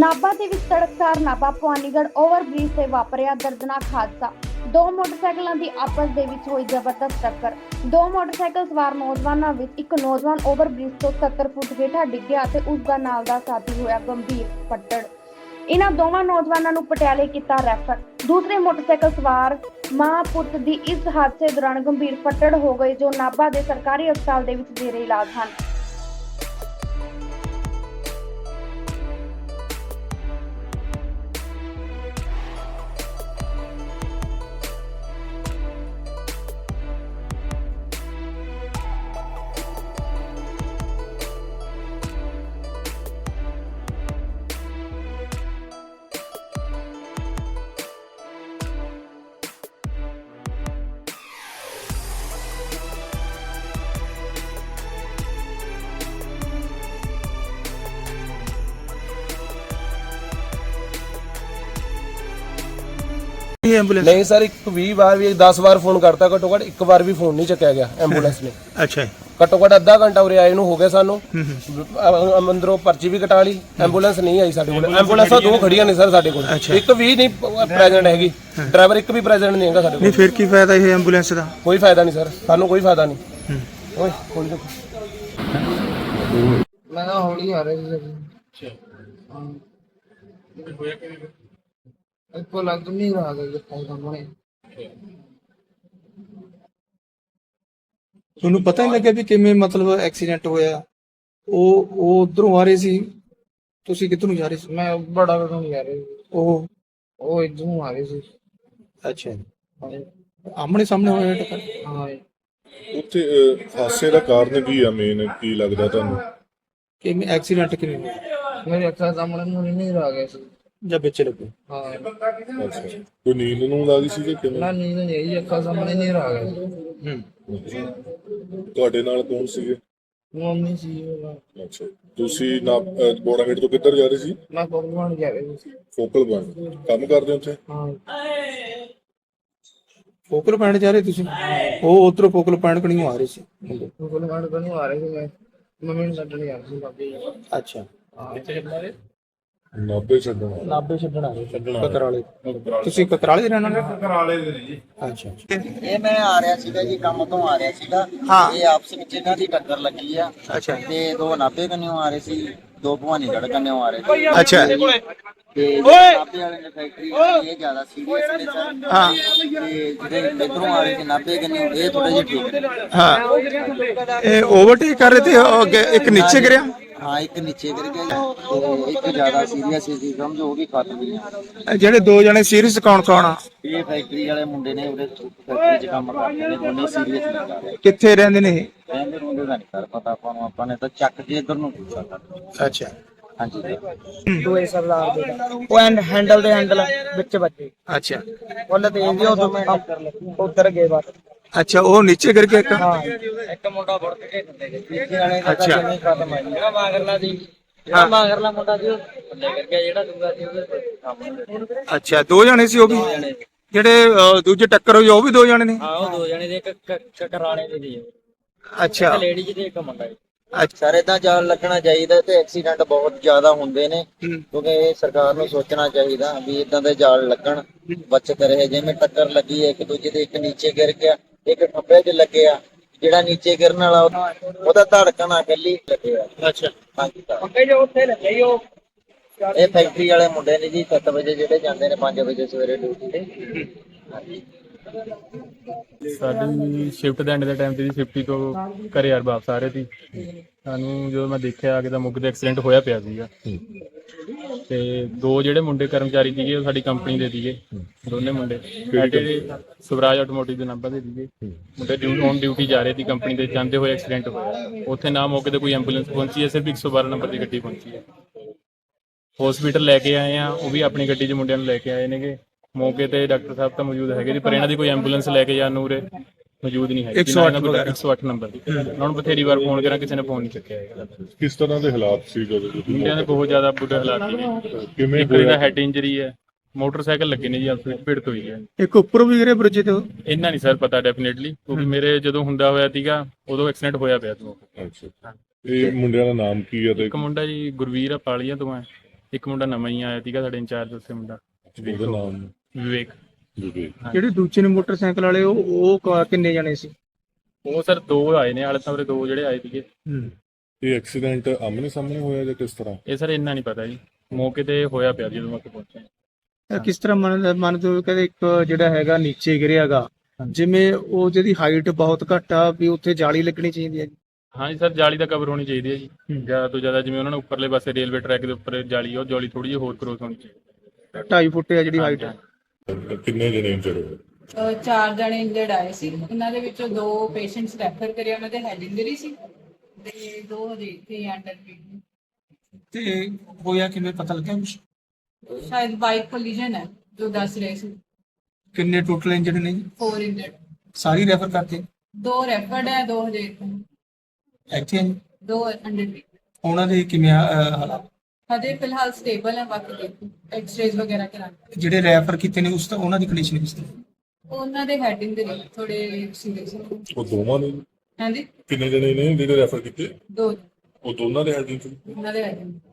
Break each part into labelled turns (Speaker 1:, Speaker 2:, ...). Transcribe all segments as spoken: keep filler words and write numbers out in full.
Speaker 1: ਨਾਭਾ ਦੇ ਵਿੱਚ ਤੜਕਸਾਰ ਨਾਭਾ ਭਵਾਨੀਗੜ੍ਹ ਓਵਰਬ੍ਰਿਜ ਤੇ ਵਾਪਰਿਆ ਦਰਦਨਾਕ ਹਾਦਸਾ। ਦੋ ਮੋਟਰਸਾਈਕਲਾਂ ਦੀ ਆਪਸ ਦੇ ਵਿੱਚ ਹੋਈ ਜ਼ਬਰਦਸਤ ਟੱਕਰ। ਦੋ ਮੋਟਰਸਾਈਕਲ ਸਵਾਰ ਨੌਜਵਾਨਾਂ ਵਿੱਚ ਇੱਕ ਨੌਜਵਾਨ ਓਵਰਬ੍ਰਿਜ ਤੋਂ ਸੱਤਰ ਫੁੱਟ ਹੇਠਾਂ ਡਿੱਗਿਆ ਤੇ ਉਸ ਦਾ ਨਾਲ ਦਾ ਸਾਥੀ ਹੋਇਆ ਗੰਭੀਰ ਫੱਟੜ। ਇਹਨਾਂ ਦੋਵਾਂ ਨੌਜਵਾਨਾਂ ਨੂੰ ਪਟਿਆਲੇ ਕੀਤਾ ਰੈਫਰ। ਦੂਸਰੇ ਮੋਟਰਸਾਈਕਲ ਸਵਾਰ ਮਾਂ ਪੁੱਤ ਦੀ ਇਸ ਹਾਦਸੇ ਦੌਰਾਨ ਗੰਭੀਰ ਫੱਟੜ ਹੋ ਗਏ, ਜੋ ਨਾਭਾ ਦੇ ਸਰਕਾਰੀ ਹਸਪਤਾਲ ਦੇ ਵਿੱਚ ਜੇਰੇ ਇਲਾਜ ਹਨ।
Speaker 2: एम्बुलेंस
Speaker 3: नहीं सर, एक भी बार भी दस बार फोन करता, घट्टो घट एक बार भी फोन नहीं चुकया गया एम्बुलेंस ने।
Speaker 2: अच्छा
Speaker 3: घट्टो घट अद्धा घंटा उरे आए हो गया सानू, अंदरों पर्ची भी कटा ली, एम्बुलेंस नहीं आई साडे कोल। एम्बुलेंसां दो खड़ियां ने सर साडे कोल, एक भी नहीं प्रेजेंट हैगी, ड्राइवर एक भी प्रेजेंट नहीं हैगा साडे कोल।
Speaker 2: नहीं फिर की फायदा ये एम्बुलेंस दा?
Speaker 3: कोई फायदा नहीं सर, सानू कोई फायदा नहीं। ओए खोल दो।
Speaker 4: मैं ना होली आ रही थी। अच्छा हां होया कि इसको लग नहीं रहा था कि सामने
Speaker 2: ਤੁਹਾਨੂੰ ਪਤਾ ਨਹੀਂ ਲੱਗਿਆ ਵੀ ਕਿਵੇਂ ਮਤਲਬ ਐਕਸੀਡੈਂਟ ਹੋਇਆ? ਉਹ ਉਹ ਉਧਰੋਂ ਆ ਰਹੇ ਸੀ, ਤੁਸੀਂ ਕਿੱਧਰ ਨੂੰ ਜਾ ਰਹੇ ਸੀ?
Speaker 4: मैं बड़ा बड़ा नहीं आ रही,
Speaker 2: ਉਹ
Speaker 4: वो इधर आ रही थी।
Speaker 2: ਅੱਛਾ ਆਮਣੇ ਸਾਹਮਣੇ ਹੋਇਆ ਟੱਕਰ?
Speaker 4: हाँ
Speaker 5: ਉੱਥੇ ਅਹ, ਹਾਦਸੇ ਦਾ ਕਾਰਨ ਕੀ ਆ? ਮੇਨ ਕੀ ਲੱਗਦਾ ਤੁਹਾਨੂੰ?
Speaker 2: ਕਿਵੇਂ ਐਕਸੀਡੈਂਟ ਕਿਵੇਂ ਹੋਇਆ
Speaker 4: मेरे अक्सर सामने मुझे नहीं रहा गया।
Speaker 2: ਜਾਂ ਵਿੱਚ ਲੱਗੇ?
Speaker 4: हाँ
Speaker 5: ਅੱਛਾ, ਕੋਈ ਨੀਂਦ ਨੂੰ ਲੱਗੀ ਸੀ ਕਿ ਕਿਵੇਂ?
Speaker 4: ना नींद नहीं आई, अक्सर सामने नहीं रहा गया।
Speaker 2: ਹੂੰ
Speaker 5: ਤੁਹਾਡੇ ਨਾਲ ਕੌਣ ਸੀਗੇ?
Speaker 4: मम्मी सी
Speaker 5: ਅੱਛਾ, ਤੁਸੀਂ ਨਾ ਬੋੜਾਗੇਟ ਤੋਂ ਕਿੱਧਰ ਜਾ ਰਹੇ ਸੀ?
Speaker 4: मैं पकवान जा रही थी।
Speaker 5: ਫੋਕਲ ਪੁਆਇੰਟ ਕੰਮ ਕਰਦੇ ਹੋ ਉੱਥੇ?
Speaker 4: हाँ
Speaker 2: ਫੋਕਲ ਪੁਆਇੰਟ ਜਾ ਰਹੇ ਤੁਸੀਂ? ਉਹ ਉਧਰੋਂ ਫੋਕਲ ਪੁਆਇੰਟ ਕਣੀਓ ਆ ਰਹੇ ਸੀ ਮੁੰਡੇ?
Speaker 4: पकवान को नहीं आ रही थी, मैं मम्मी ने छड्डण जा रही थी बाबी।
Speaker 2: ਅੱਛਾ
Speaker 5: ਨਾਭੇ ਛੱਡਣਾ।
Speaker 2: ਨਾਭੇ ਛੱਡਣ ਆ ਰਹੇ ਸੀ ਕਕਰਾਲੇ। ਤੁਸੀਂ ਕਕਰਾਲੇ ਦੇ ਰਹਿਣ ਵਾਲੇ?
Speaker 6: ਕਕਰਾਲੇ ਦੇ ਨੇ ਜੀ।
Speaker 2: ਅੱਛਾ
Speaker 6: ਇਹ ਮੈਂ ਆ ਰਿਹਾ ਸੀਗਾ ਜੀ, ਕੰਮ ਤੋਂ ਆ ਰਿਹਾ ਸੀਗਾ।
Speaker 2: ਹਾਂ।
Speaker 6: ਇਹ ਆਪਸ ਵਿੱਚ ਇਹਨਾਂ ਦੀ ਟੱਕਰ ਲੱਗੀ ਆ।
Speaker 2: ਅੱਛਾ
Speaker 6: ਤੇ ਦੋ ਨਾਭੇ ਕੰਨਿਓ ਆ ਰਹੇ ਸੀ, ਦੋ ਭਵਾਨੀਗੜ੍ਹ ਕੰਨਿਓ ਆ ਰਹੇ ਸੀ।
Speaker 2: ਅੱਛਾ
Speaker 6: ਤੇ ਨਾਭੇ ਵਾਲੇ ਨੇ ਫੈਕਟਰੀ ਇਹ ਜ਼ਿਆਦਾ ਸੀਰੀਅਸ ਨੇ ਸਰ।
Speaker 2: ਹਾਂ।
Speaker 6: ਤੇ ਜਿਹੜੇ ਇਧਰੋਂ ਆ ਰਹੇ ਸੀ ਨਾਭੇ ਕੰਨਿਓ, ਇਹ ਥੋੜੇ ਜਿਹੇ ਠੀਕ ਨੇ।
Speaker 2: ਹਾਂ ਇਹ ਓਵਰਟੇਕ ਕਰ ਰਹੇ ਤੇ ਉਹ ਅੱਗੇ ਇੱਕ ਨੀਚੇ ਗਿਰਿਆ?
Speaker 6: ਹਾਂ, ਇੱਕ ਨੀਚੇ ਗਿਰ ਗਿਆ ਤੇ ਇੱਕ ਜ਼ਿਆਦਾ ਸੀਰੀਅਸ ਸੀ, ਸਮਝੋ ਉਹ ਵੀ ਖਤਮ ਹੀ ਆ।
Speaker 2: ਇਹ ਜਿਹੜੇ ਦੋ ਜਣੇ ਸੀਰੀਅਸ ਕੌਣ ਕੌਣ ਆ?
Speaker 6: ਇਹ ਫੈਕਟਰੀ ਵਾਲੇ ਮੁੰਡੇ ਨੇ, ਉਹਦੇ ਫੈਕਟਰੀ 'ਚ ਕੰਮ ਕਰਦੇ ਨੇ, ਦੋਨੇ ਸੀਰੀਅਸ ਨਹੀਂ ਕਰ ਰਹੇ।
Speaker 2: ਕਿੱਥੇ ਰਹਿੰਦੇ ਨੇ ਇਹ?
Speaker 6: ਕਹਿੰਦੇ ਮੁੰਡੇ ਦਾ ਨਹੀਂ ਕਰ ਪਤਾ ਆਪਾਂ ਨੂੰ, ਆਪਾਂ ਨੇ ਤਾਂ ਚੱਕ ਕੇ ਇਧਰ ਨੂੰ ਪੁੱਛਿਆ ਕਰ।
Speaker 2: ਅੱਛਾ
Speaker 6: ਹਾਂਜੀ
Speaker 4: ਦੋਏ ਸਰਦਾਰ ਦੇ ਉਹ ਐਂਡ ਹੈਂਡਲ ਦੇ ਹੈਂਡਲ ਵਿੱਚ ਵੱਜੇ।
Speaker 2: ਅੱਛਾ
Speaker 4: ਉਹਨੇ ਤੇ ਇੰਦੀ ਉਹ ਉਧਰ ਗਏ ਬਾਹਰ।
Speaker 2: ਅੱਛਾ ਉਹ ਨੀਚੇ ਗਿਰ ਕੇ ਇੱਕ?
Speaker 4: ਹਾਂ ਇੱਕ ਮੁੰਡਾ ਵੜ ਕੇ ਦਿੰਦੇ ਨੇ ਤੀਜੇ ਵਾਲੇ ਦਾ
Speaker 2: ਅੱਛਾ।
Speaker 4: ਨਹੀਂ ਖਤਮ ਆ ਜਿਹੜਾ ਮਾਗਰਲਾ ਦੀ ਜਿਹੜਾ ਮਾਗਰਲਾ ਮੁੰਡਾ ਸੀ ਉਹ ਥੱਲੇ ਕਰ ਗਿਆ, ਜਿਹੜਾ ਦੂਗਾ ਸੀ ਉਹਦੇ ਸਾਹਮਣੇ।
Speaker 2: ਅੱਛਾ ਦੋ ਜਣੇ ਸੀ ਉਹ ਵੀ? ਜਿਹੜੇ ਅਹ, ਦੂਜੇ ਟੱਕਰ ਹੋਈ ਉਹ ਵੀ ਦੋ ਜਣੇ ਨੇ?
Speaker 4: ਹਾਂ ਉਹ ਦੋ ਜਣੇ ਦੇ, ਇੱਕ ਕਕਰਾਲੇ ਦੇ ਦੀ
Speaker 2: ਅੱਛਾ
Speaker 4: ਲੇਡੀ ਜੀ ਤੇ ਇੱਕ ਮੁੰਡਾ ਜੀ।
Speaker 2: ਅੱਛਾ
Speaker 6: ਸਰ ਏਦਾਂ ਜਾਲ ਲੱਗਣਾ ਚਾਹੀਦਾ ਤੇ ਐਕਸੀਡੈਂਟ ਬਹੁਤ ਜ਼ਿਆਦਾ ਹੁੰਦੇ ਨੇ, ਕਿਉਂਕਿ ਇਹ ਸਰਕਾਰ ਨੂੰ ਸੋਚਣਾ ਚਾਹੀਦਾ ਵੀ ਇਦਾਂ ਦੇ ਜਾਲ ਲੱਗਣ, ਬਚਤ ਰਹੇ। ਜਿਵੇਂ ਟੱਕਰ ਲੱਗੀ ਹੈ ਇੱਕ ਦੂਜੇ ਦੇ, ਇੱਕ ਨੀਚੇ ਗਿਰ ਗਿਆ, ਇੱਕ ਖੱਬੇ 'ਚ ਲੱਗਿਆ, ਜਿਹੜਾ ਨੀਚੇ ਗਿਰਨ ਵਾਲਾ ਉਹਦਾ ਧੜਕਣ ਆ ਇਕੱਲੀ ਲੱਗਿਆ।
Speaker 2: ਅੱਛਾ
Speaker 6: ਹਾਂਜੀ ਸਰ।
Speaker 4: ਅੱਗੇ ਜੋ ਉੱਥੇ ਲੱਗੇ ਉਹ
Speaker 6: ਇਹ ਫੈਕਟਰੀ ਵਾਲੇ ਮੁੰਡੇ ਨੇ ਜੀ, ਸੱਤ ਵਜੇ ਜਿਹੜੇ ਜਾਂਦੇ ਨੇ ਪੰਜ ਵਜੇ ਸਵੇਰੇ ਡਿਊਟੀ ਤੇ। ਹਾਂਜੀ
Speaker 7: ਸਾਡੀ ਸ਼ਿਫਟ ਦੇ ਐਂਡ ਦੇ ਟਾਈਮ ਤੇ ਜੀ ਫਿਫਟੀ ਤੋਂ ਘਰੇ ਯਾਰ ਵਾਪਸ ਆ ਰਹੇ ਸੀ। ਸਾਨੂੰ ਜਦੋਂ ਮੈਂ ਦੇਖਿਆ ਕਿ ਤਾਂ ਮੁੱਕ ਦੇ ਐਕਸੀਡੈਂਟ ਹੋਇਆ ਪਿਆ ਸੀਗਾ। ਤੇ ਦੋ ਜਿਹੜੇ ਮੁੰਡੇ ਕਰਮਚਾਰੀ ਸੀਗੇ ਉਹ ਸਾਡੀ ਕੰਪਨੀ ਦੇ ਸੀਗੇ, ਦੋਨੇ ਮੁੰਡੇ ਸਾਡੇ ਸਵਰਾਜ ਆਟੋਮੋਟਿਵ ਦੇ ਨੰਬਰ ਦੇ ਸੀਗੇ। ਮੁੰਡੇ ਡਿਊਟੀ ਔਨ ਡਿਊਟੀ ਜਾ ਰਹੇ ਸੀ ਕੰਪਨੀ ਦੇ, ਜਾਂਦੇ ਹੋਏ ਐਕਸੀਡੈਂਟ ਹੋਇਆ। ਉੱਥੇ ਨਾ ਮੌਕੇ ਤੇ ਕੋਈ ਐਂਬੂਲੈਂਸ ਪਹੁੰਚੀ ਹੈ, ਸਿਰਫ ਇੱਕ ਸੌ ਬਾਰਾਂ ਨੰਬਰ ਦੀ ਗੱਡੀ ਪਹੁੰਚੀ ਹੈ। ਹਸਪੀਟਲ ਲੈ ਕੇ ਆਏ ਆ, ਉਹ ਵੀ ਆਪਣੀ ਗੱਡੀ 'ਚ ਮੁੰਡਿਆਂ ਨੂੰ ਲੈ ਕੇ ਆਏ ਨੇਗੇ। ਮੌਕੇ ਤੇ ਡਾਕਟਰ ਸਾਹਿਬ ਤਾਂ ਮੌਜੂਦ ਹੈਗੇ ਸੀ, ਪਰ ਇਹਨਾਂ ਦੀ ਕੋਈ ਐਂਬੂਲੈਂਸ ਲੈ ਕੇ ਜਾਣ ਨੂੰ ਉਰੇ ਮੌਜੂਦ ਨਹੀਂ ਹੈਗੀ। ਇੱਕ ਸੌ ਅੱਠ ਨੰਬਰ ਦੀ ਉਹਨਾਂ ਨੂੰ ਬਥੇਰੀ ਵਾਰ ਫੋਨ ਕਰਾਂ, ਕਿਸੇ ਨੇ ਫੋਨ ਨਹੀਂ ਚੱਕਿਆ ਹੈਗਾ।
Speaker 5: ਕਿਸ ਤਰ੍ਹਾਂ ਦੇ ਹਾਲਾਤ ਸੀ ਜਦੋਂ ਤੁਸੀਂ?
Speaker 7: ਮੁੰਡਿਆਂ ਦੇ ਬਹੁਤ ਜ਼ਿਆਦਾ ਬੁਰੇ ਹਾਲਾਤ ਨੇ।
Speaker 5: ਕਿਵੇਂ
Speaker 7: ਇੱਕ ਦਾ ਹੈਡ ਇੰਜਰੀ ਹੈ, ਮੋਟਰਸਾਈਕਲ ਲੱਗੇ ਨੇ ਜੀ, ਆਪਸ ਵਿੱਚ ਭਿੜਤ ਹੋਈ ਹੈ।
Speaker 2: ਇੱਕ ਉੱਪਰੋਂ ਵੀ ਗਿਰੇ ਬ੍ਰਿਜ ਤੇ?
Speaker 7: ਇੰਨਾ ਨਹੀਂ ਸਰ ਪਤਾ ਡੈਫੀਨੇਟਲੀ, ਕਿਉਂਕਿ ਮੇਰੇ ਜਦੋਂ ਹੁੰਦਾ ਹੋਇਆ ਸੀਗਾ ਉਦੋਂ ਐਕਸੀਡੈਂਟ ਹੋਇਆ ਪਿਆ ਸੀ।
Speaker 5: ਅੱਛਾ, ਇਹ ਮੁੰਡਿਆਂ ਦਾ ਨਾਮ ਕੀ ਹੈ? ਤੇ
Speaker 7: ਇੱਕ ਮੁੰਡਾ ਜੀ ਗੁਰਵੀਰ ਆ, ਪਾਲੀਆਂ ਤੋਂ ਹੈ। ਇੱਕ ਮੁੰਡਾ ਨਵਾਂ ਹੀ ਆਇਆ ਸੀਗਾ ਸਾਡੇ ਇੰਚਾਰਜ ਉੱਥੇ ਮੁੰਡਾ
Speaker 5: ਉਹਦਾ ਨਾਮ
Speaker 7: ਵਿਵੇਕ।
Speaker 5: ਵਿਵੇਕ।
Speaker 2: ਜਿਹੜੇ ਦੂਜੇ ਨੇ ਮੋਟਰਸਾਈਕਲ ਵਾਲੇ ਉਹ ਉਹ ਕ- ਕਿੰਨੇ ਜਣੇ ਸੀ?
Speaker 7: ਉਹ ਸਰ ਦੋ ਆਏ ਨੇ ਹਾਲੇ ਤਾਂ ਉਰੇ ਦੋ ਜਿਹੜੇ ਆਏ ਸੀਗੇ।
Speaker 5: ਇਹ ਐਕਸੀਡੈਂਟ ਆਮਨੇ ਸਾਹਮਣੇ ਹੋਇਆ ਜਾਂ ਕਿਸ ਤਰ੍ਹਾਂ?
Speaker 7: ਇਹ ਸਰ ਇੰਨਾ ਨਹੀਂ ਪਤਾ ਜੀ, ਮੌਕੇ ਤੇ ਹੋਇਆ ਪਿਆ ਜਦੋਂ ਮੈਂ ਉੱਥੇ ਪਹੁੰਚਿਆ।
Speaker 2: ਇਹ ਕਿਸ ਤਰ੍ਹਾਂ ਮੰਨ ਮੰਨਦੇ ਹੋ? ਕਹਿੰਦੇ ਇੱਕ ਜਿਹੜਾ ਹੈਗਾ ਨੀਚੇ ਗਿਰਿਆਗਾ, ਜਿਵੇਂ ਉਹ ਜਿਹਦੀ ਹਾਈਟ ਬਹੁਤ ਘੱਟ ਆ ਵੀ ਉੱਥੇ ਜਾਲੀ ਲੱਗਣੀ ਚਾਹੀਦੀ ਹੈ ਜੀ।
Speaker 7: ਹਾਂਜੀ ਸਰ, ਜਾਲੀ ਦਾ ਕਵਰ ਹੋਣੀ ਚਾਹੀਦੀ ਹੈ ਜੀ ਜ਼ਿਆਦਾ ਤੋਂ ਜ਼ਿਆਦਾ। ਜਿਵੇਂ ਉਹਨਾਂ ਨੇ ਉੱਪਰਲੇ ਪਾਸੇ ਰੇਲਵੇ ਟਰੈਕ ਦੇ ਉੱਪਰ ਜਾਲੀ, ਉਹ ਜਾਲੀ ਥੋੜੀ ਜਿਹੀ ਹੋਰ ਕਰੋਸ ਹੋਣੀ ਚਾਹੀਦੀ।
Speaker 2: ਢਾਈ ਫੁੱਟ ਆ ਜਿਹੜੀ ਹਾਈਟ ਹੈ।
Speaker 5: ਕਿੰਨੇ ਜਣੇ ਇੰਜਰ ਹੋਏ?
Speaker 8: ਅਹ ਚਾਰ ਜਣੇ ਇੰਜਰਡ ਆਏ ਸੀ, ਉਹਨਾਂ ਦੇ ਵਿੱਚੋਂ ਦੋ ਪੇਸ਼ੈਂਟਸ ਰੈਫਰ ਕਰੇ, ਉਹਨਾਂ ਦੇ ਹੈਡ ਇੰਜਰੀ ਸੀ ਤੇ ਦੋ ਹਜੇ ਇੱਥੇ ਅੰਡਰ ਟ੍ਰੀਟਮੈਂਟ।
Speaker 2: ਤੇ ਹੋਇਆ ਕਿਵੇਂ ਪਤਾ ਲੱਗਿਆ ਕੁਛ?
Speaker 8: ਸ਼ਾਇਦ ਬਾਈਕ ਕੋਲੀਜਨ ਹੈ ਜੋ ਦੱਸ ਰਹੇ ਸੀ।
Speaker 2: ਕਿੰਨੇ ਟੋਟਲ ਇੰਜਰਡ ਨੇ ਜੀ?
Speaker 8: ਫੋਰ ਇੰਜਰਡ,
Speaker 2: ਸਾਰੀ ਰੈਫਰ ਕਰਤੇ?
Speaker 8: ਦੋ ਰੈਫਰਡ ਹੈ, ਦੋ ਹਜੇ ਇੱਥੇ,
Speaker 2: ਇੱਥੇ ਆ ਜੀ?
Speaker 8: ਦੋ ਅੰਡਰ ਟ੍ਰੀਟਮੈਂਟ।
Speaker 2: ਉਹਨਾਂ ਦੇ ਕਿਵੇਂ ਆ, ਅਹ, ਹਾਲਾਤ?
Speaker 8: ਹਜੇ ਫਿਲਹਾਲ ਸਟੇਬਲ ਹੈ, ਬਾਕੀ ਦੇਖੋ ਐਕਸ-ਰੇਜ਼ ਵਗੈਰਾ ਕਰਾਂਗੇ।
Speaker 2: ਜਿਹੜੇ ਰੈਫਰ ਕੀਤੇ ਨੇ ਉਸ ਉਹਨਾਂ ਦੀ ਕੰਡੀਸ਼ਨ ਕਿਸ ਤਰ੍ਹਾਂ?
Speaker 8: ਉਹਨਾਂ ਦੇ ਹੈਡ ਇੰਜਰੀ ਥੋੜੇ ਸੀਰੀਅਸ ਹੈ।
Speaker 5: ਉਹ ਦੋਵਾਂ ਨੇ?
Speaker 8: ਹਾਂਜੀ,
Speaker 5: ਕਿੰਨੇ ਜਣੇ ਨੇ ਜਿਹੜੇ ਰੈਫਰ ਕੀਤੇ?
Speaker 8: ਦੋ
Speaker 5: ਉਹ ਦੋਨਾਂ ਦੇ ਹੈਡ ਇੰਜਰੀ?
Speaker 8: ਉਹਨਾਂ ਦੇ ਹੈਡ ਇੰਜਰੀ।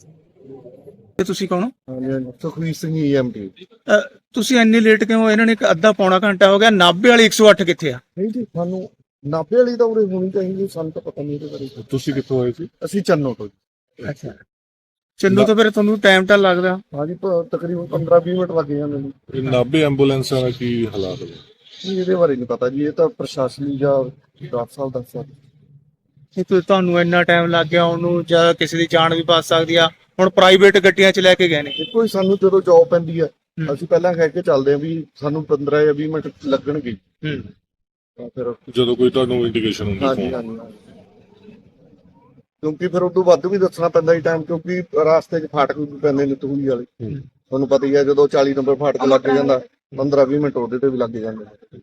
Speaker 2: ਤੇ ਤੁਸੀਂ ਕੌਣ ਹੋ?
Speaker 9: ਹਾਂਜੀ, ਸੁਖਵੀਰ ਸਿੰਘ ਈਐਮਟੀ।
Speaker 2: ਅਹ, ਤੁਸੀਂ ਇੰਨੀ ਲੇਟ ਕਿਉਂ ਹੋਏ? ਇਹਨਾਂ ਨੇ ਇੱਕ ਅੱਧਾ ਪੌਣਾ ਘੰਟਾ ਹੋ ਗਿਆ। ਨਾਭੇ ਵਾਲੀ ਇੱਕ ਸੌ ਅੱਠ ਕਿੱਥੇ ਆ?
Speaker 9: ਨਹੀਂ ਜੀ, ਸਾਨੂੰ ਨਾਭੇ ਵਾਲੀ ਤਾਂ ਉਰੇ ਹੋਣੀ ਚਾਹੀਦੀ, ਸਾਨੂੰ ਤਾਂ ਪਤਾ ਨਹੀਂ ਇਹਦੇ ਬਾਰੇ।
Speaker 5: ਤੁਸੀਂ ਕਿੱਥੋਂ ਆਏ ਸੀ?
Speaker 9: ਅਸੀਂ ਚੰਨੋ ਤੋਂ ਜੀ।
Speaker 2: ਅੱਛਾ, ਚੰਨੂ ਤਾਂ ਫਿਰ ਤੁਹਾਨੂੰ ਟਾਈਮ ਤਾਂ ਲੱਗਦਾ।
Speaker 9: ਹਾਂਜੀ, ਪ- ਤਕਰੀਬਨ ਪੰਦਰਾਂ ਵੀਹ ਮਿੰਟ ਲੱਗ ਜਾਂਦੇ ਨੇ।
Speaker 5: ਇਹ ਨਾਭੇ ਐਂਬੂਲੈਂਸਾਂ ਦਾ ਕੀ ਹਾਲਾਤ ਨੇ?
Speaker 9: ਜੀ, ਇਹਦੇ ਬਾਰੇ ਨਹੀਂ ਪਤਾ ਜੀ, ਇਹ ਤਾਂ ਪ੍ਰਸ਼ਾਸਨੀ ਜਾਂ ਡਾਕਟਰ ਸਾਹਿਬ ਦੱਸ ਸਕਦੇ।
Speaker 2: ਇਹ ਤਾਂ ਤੁਹਾਨੂੰ ਇੰਨਾ ਟਾਈਮ ਲੱਗ ਗਿਆ ਉਹਨੂੰ, ਜਾਂ ਕਿਸੇ ਦੀ ਜਾਨ ਵੀ ਬਚ ਸਕਦੀ ਆ। ਹੁਣ ਪ੍ਰਾਈਵੇਟ ਗੱਡੀਆਂ 'ਚ ਲੈ ਕੇ ਗਏ ਨੇ।
Speaker 9: ਦੇਖੋ ਜੀ, ਸਾਨੂੰ ਜਦੋਂ ਜੌਬ ਪੈਂਦੀ ਹੈ ਅਸੀਂ ਪਹਿਲਾਂ ਕਹਿ ਕੇ ਚੱਲਦੇ ਹਾਂ ਵੀ ਸਾਨੂੰ ਪੰਦਰਾਂ ਜਾਂ ਵੀਹ ਮਿੰਟ ਲੱਗਣਗੇ।
Speaker 2: ਹੂੰ,
Speaker 9: ਤਾਂ ਫਿਰ
Speaker 5: ਜਦੋਂ ਕੋਈ ਤੁਹਾਨੂੰ ਇੰਡੀਕੇਸ਼ਨ ਹੁੰਦੀ
Speaker 9: ਹਾਂਜੀ
Speaker 5: ਫੋਨ?
Speaker 9: ਹਾਂਜੀ ਹਾਂਜੀ। ਕਿਉਂਕਿ ਫਿਰ ਉਦੋਂ ਵੱਧ ਵੀ ਦੱਸਣਾ ਪੈਂਦਾ ਜੀ ਟਾਈਮ, ਕਿਉਂਕਿ ਰਾਸਤੇ 'ਚ ਫਾਟਕ ਵੀ ਪੈਂਦੇ ਨੇ ਤੂਹੀ ਵਾਲੇ। ਤੁਹਾਨੂੰ ਪਤਾ ਹੀ ਹੈ, ਜਦੋਂ ਚਾਲੀ ਨੰਬਰ ਫਾਟਕ ਲੱਗ ਜਾਂਦਾ ਪੰਦਰਾਂ ਵੀਹ ਮਿੰਟ ਉਹਦੇ ਤੇ ਵੀ ਲੱਗ ਜਾਂਦੇ ਨੇ।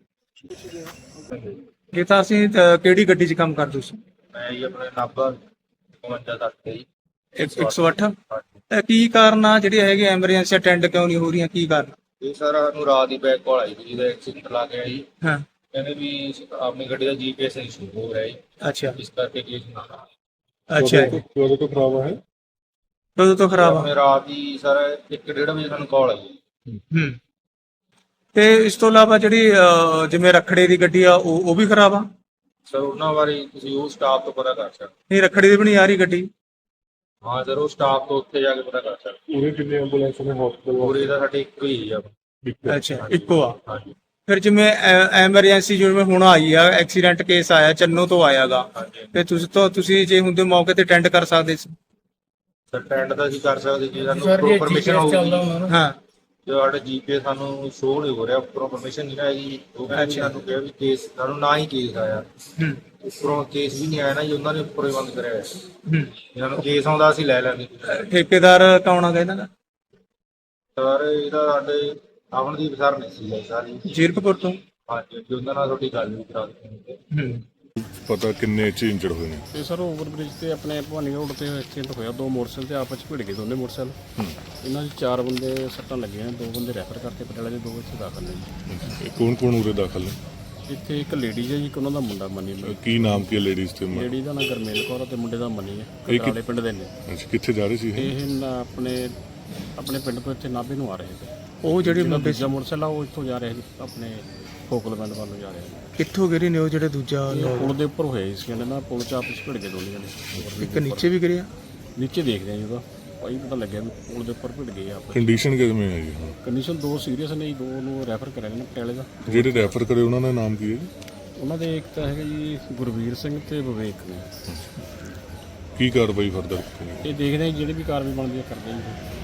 Speaker 2: ਇਹ ਤਾਂ ਅਸੀਂ ਅਹ, ਕਿਹੜੀ ਗੱਡੀ 'ਚ ਕੰਮ ਕਰਦੇ ਸੀ?
Speaker 3: ਮੈਂ ਜੀ ਆਪਣੇ ਨਾਭਾ ਪਚਵੰਜਾ ਤੱਕ ਤੇ ਜੀ।
Speaker 2: ਇੱਕ ਸੌ ਅੱਠ। ਇਹ ਕੀ ਕਾਰਨ ਆ ਜਿਹੜੀ ਹੈਗੀ ਐਮਰਜੈਂਸੀ ਅਟੈਂਡ ਕਿਉਂ ਨਹੀਂ ਹੋ ਰਹੀਆਂ? ਕੀ ਕਾਰਨ?
Speaker 3: ਇਹ ਸਰ ਸਾਨੂੰ ਰਾਤ ਦੀ ਬੈਕ ਕਾਲ ਆਈ ਸੀ ਜਿਹਦਾ ਐਕਸੀਡੈਂਟ ਲਾ ਕੇ ਆਈ।
Speaker 2: ਹਾਂ,
Speaker 3: ਕਹਿੰਦੇ ਵੀ ਆਪਣੀ ਗੱਡੀ ਦਾ ਜੀਪੀਐਸ ਇਸ਼ੂ ਹੋ ਰਿਹਾ ਹੈ,
Speaker 2: ਅੱਛਾ
Speaker 3: ਇਸ ਕਰਕੇ ਕੇਸ ਨਾ
Speaker 2: ਅੱਛਾ।
Speaker 5: ਕਦੋਂ ਤੋਂ ਖਰਾਬ ਹੈ?
Speaker 2: ਕਦੋਂ ਤੋਂ ਖਰਾਬ ਆ?
Speaker 3: ਆਪਣੇ ਰਾਤ ਦੀ ਸਰ ਇੱਕ ਡੇਢ ਵਜੇ ਸਾਨੂੰ ਕਾਲ ਆਈ।
Speaker 2: ਹੂੰ, ਤੇ ਇਸ ਤੋਂ ਇਲਾਵਾ ਜਿਹੜੀ ਅਹ, ਜਿਵੇਂ ਰਖੜੇ ਦੀ ਗੱਡੀ ਆ ਉਹ ਉਹ ਵੀ ਖਰਾਬ ਆ?
Speaker 3: ਸਰ ਉਹਨਾਂ ਬਾਰੇ ਤੁਸੀਂ ਉਹ ਸਟਾਫ ਤੋਂ ਪਤਾ ਕਰ ਸਕਦੇ।
Speaker 2: ਨਹੀਂ, ਰਖੜੀ ਦੀ ਵੀ ਨਹੀਂ ਆ ਰਹੀ ਗੱਡੀ?
Speaker 3: ਹਾਂ ਸਰ, ਉਹ ਸਟਾਫ ਤੋਂ ਉੱਥੇ ਜਾ ਕੇ ਪਤਾ ਕਰ ਸਕਦੇ।
Speaker 5: ਪੂਰੇ ਕਿੰਨੇ ਐਂਬੂਲੈਂਸ ਨੇ ਹਸਪਤਾਲ?
Speaker 3: ਪੂਰੇ ਦਾ ਸਾਡੇ ਇੱਕੋ ਹੀ ਆ।
Speaker 2: ਅੱਛਾ, ਇੱਕੋ ਆ।
Speaker 3: ਹਾਂਜੀ
Speaker 2: ਫਿਰ ਜਿਵੇਂ ਐਮਰਜੈਂਸੀ ਜਿਵੇਂ ਹੁਣ ਆਈ ਆ, ਐਕਸੀਡੈਂਟ ਕੇਸ ਆਇਆ, ਚੰਨੋ ਤੋਂ ਆਇਆਗਾ, ਤੇ ਤੁਸੀਂ ਤੋਂ ਤੁਸੀਂ ਜੇ ਹੁੰਦੇ ਮੌਕੇ ਤੇ ਅਟੈਂਡ ਕਰ ਸਕਦੇ ਸੀ।
Speaker 3: ਸਰ ਟੈਂਡ ਦਾ ਅਸੀਂ ਕਰ ਸਕਦੇ ਜੀ, ਸਾਨੂੰ ਪਰਮਿਸ਼ਨ ਹੋਊਗੀ।
Speaker 2: ਹਾਂ,
Speaker 3: ਜੋ ਸਾਡਾ ਜੀਪੀਐਸ ਸਾਨੂੰ ਸ਼ੋਅ ਨਹੀਂ ਹੋ ਰਿਹਾ, ਉੱਪਰੋਂ ਪਰਮਿਸ਼ਨ ਨਹੀਂ ਆਈ। ਉਹ ਕਹਿੰਦੇ ਵੀ ਸਾਨੂੰ ਕਿਹਾ ਵੀ ਕੇਸ ਸਾਨੂੰ ਨਾ ਹੀ ਕੇਸ ਆਇਆ,
Speaker 2: ਹੂੰ,
Speaker 3: ਉੱਪਰੋਂ ਕੇਸ ਵੀ ਨਹੀਂ ਆਇਆ ਨਾ ਜੀ, ਉਹਨਾਂ ਨੇ ਉੱਪਰੋਂ ਹੀ ਬੰਦ ਕਰਿਆ ਹੋਇਆ।
Speaker 2: ਹੂੰ।
Speaker 3: ਇਹਨਾਂ ਨੂੰ ਕੇਸ ਆਉਂਦਾ ਅਸੀਂ ਲੈ ਲੈਂਦੇ।
Speaker 2: ਠੇਕੇਦਾਰ ਕੌਣ ਆ ਇਹਨਾਂ ਦਾ?
Speaker 3: ਸਰ ਇਹਦਾ ਸਾਡੇ ਅਮਨਦੀਪ ਸਰ ਨੇ ਸੀ ਸਾਰੀ।
Speaker 2: ਜੀਰਕਪੁਰ ਤੋਂ?
Speaker 3: ਹਾਂਜੀ, ਜੀ ਉਹਨਾਂ ਨਾਲ ਤੁਹਾਡੀ ਗੱਲ ਵੀ ਕਰਾ ਦਿੱਤੀ।
Speaker 2: ਹੂੰ,
Speaker 5: ਪਤਾ ਕਿੰਨੇ ਚ ਇੰਜਰਡ ਹੋਏ ਨੇ?
Speaker 10: ਤੇ ਸਰ ਓਵਰ ਬ੍ਰਿਜ ਤੇ ਆਪਣੇ ਭਵਾਨੀ ਰੋਡ ਤੇ ਐਕਸੀਡੈਂਟ ਹੋਇਆ। ਦੋ ਮੋਟਰਸਾਈਕਲ ਤੇ ਆਪਸ ਚ ਭਿੜ ਗਏ ਦੋਨੇ ਮੋਟਰਸਾਈਕਲ। ਇਹਨਾਂ ਦੇ ਚਾਰ ਬੰਦੇ ਸੱਟਾਂ ਲੱਗੀਆਂ, ਦੋ ਬੰਦੇ ਰੈਫਰ ਕਰਤੇ ਪਟਿਆਲੇ ਦੇ, ਦੋ ਇੱਥੇ ਦਾਖਲ ਨੇ ਜੀ।
Speaker 5: ਕੌਣ ਕੌਣ ਉਰੇ ਦਾਖਲ ਨੇ?
Speaker 10: ਇੱਥੇ ਇੱਕ ਲੇਡੀ ਹੈ ਜੀ, ਇੱਕ ਉਹਨਾਂ ਦਾ ਮੁੰਡਾ ਮਨੀ।
Speaker 5: ਕੀ ਨਾਮ ਕੀ ਲੇਡੀਜ਼ ਤੇ?
Speaker 10: ਲੇਡੀ ਦਾ ਨਾਮ ਗਰਮੇਲ ਕੌਰ ਤੇ ਮੁੰਡੇ ਦਾ ਮਨੀ ਹੈ,
Speaker 5: ਇਹ ਕਿ-
Speaker 10: ਕਟਾਲੇ ਪਿੰਡ ਦੇ ਨੇ।
Speaker 5: ਅੱਛਾ, ਕਿੱਥੇ ਜਾ ਰਹੇ ਸੀ ਇਹ?
Speaker 10: ਇਹ ਨਾ ਆਪਣੇ ਆਪਣੇ ਪਿੰਡ ਤੋਂ ਇੱਥੇ ਨਾਭੇ ਨੂੰ ਆ ਰਹੇ ਸੀ।
Speaker 2: ਉਹ ਜਿਹੜੇ
Speaker 10: ਜਿਹੜਾ
Speaker 2: ਮੁੰਡੇ
Speaker 10: ਦੂਜਾ ਮੋਟਰਸਾਈਕਲ ਆ ਉਹ ਇੱਥੋਂ ਜਾ ਰਿਹਾ ਸੀ ਆਪਣੇ ਫੋਕਲਮੈਂਟ ਵੱਲ ਨੂੰ ਜਾ ਰਿਹਾ ਸੀ।
Speaker 2: ਕਿੱਥੋਂ ਗਿਰੇ ਨੇ ਉਹ ਜਿਹੜੇ ਦੂਜਾ?
Speaker 10: ਇਹ ਪੁਲ ਦੇ ਉੱਪਰ ਹੋਏ ਸੀ, ਕਹਿੰਦੇ ਨਾ ਪੁਲ ਚ ਆਪਸ ਚ ਭਿੜ ਗਏ ਦੋਨੇ ਜਣੇ।
Speaker 2: ਇੱਕ ਨੀਚੇ ਵੀ ਗਿਰਿਆ?
Speaker 10: ਨੀਚੇ ਦੇਖਦੇ ਆ ਜੀ, ਉਹਦਾ ਭਾਈ ਪਤਾ ਲੱਗਿਆ ਵੀ ਪੁਲ ਦੇ ਉੱਪਰ ਭਿੜ ਗਏ ਆਪਸ।
Speaker 5: ਕੰਡੀਸ਼ਨ ਕਿਵੇਂ ਹੈ ਜੀ?
Speaker 10: ਕੰਡੀਸ਼ਨ ਦੋ ਸੀਰੀਅਸ ਨੇ ਜੀ, ਦੋ ਨੂੰ ਰੈਫਰ ਕਰਿਆ ਨੇ ਪਟਿਆਲੇ ਦਾ।
Speaker 5: ਜਿਹੜੇ ਰੈਫਰ ਕਰੇ ਉਹਨਾਂ ਦਾ ਨਾਮ ਕੀ ਹੈ ਜੀ?
Speaker 10: ਉਹਨਾਂ ਦੇ ਇੱਕ ਤਾਂ ਹੈਗਾ ਜੀ ਗੁਰਵੀਰ ਸਿੰਘ ਤੇ ਵਿਵੇਕ ਨੇ।
Speaker 5: ਕੀ ਕਾਰਵਾਈ ਫਰਦਰ?
Speaker 10: ਇਹ ਦੇਖਦੇ ਆ ਜੀ, ਜਿਹੜੀ ਵੀ ਕਾਰਵਾਈ ਬਣਦੀ ਹੈ ਕਰਦੇ ਆ ਜੀ।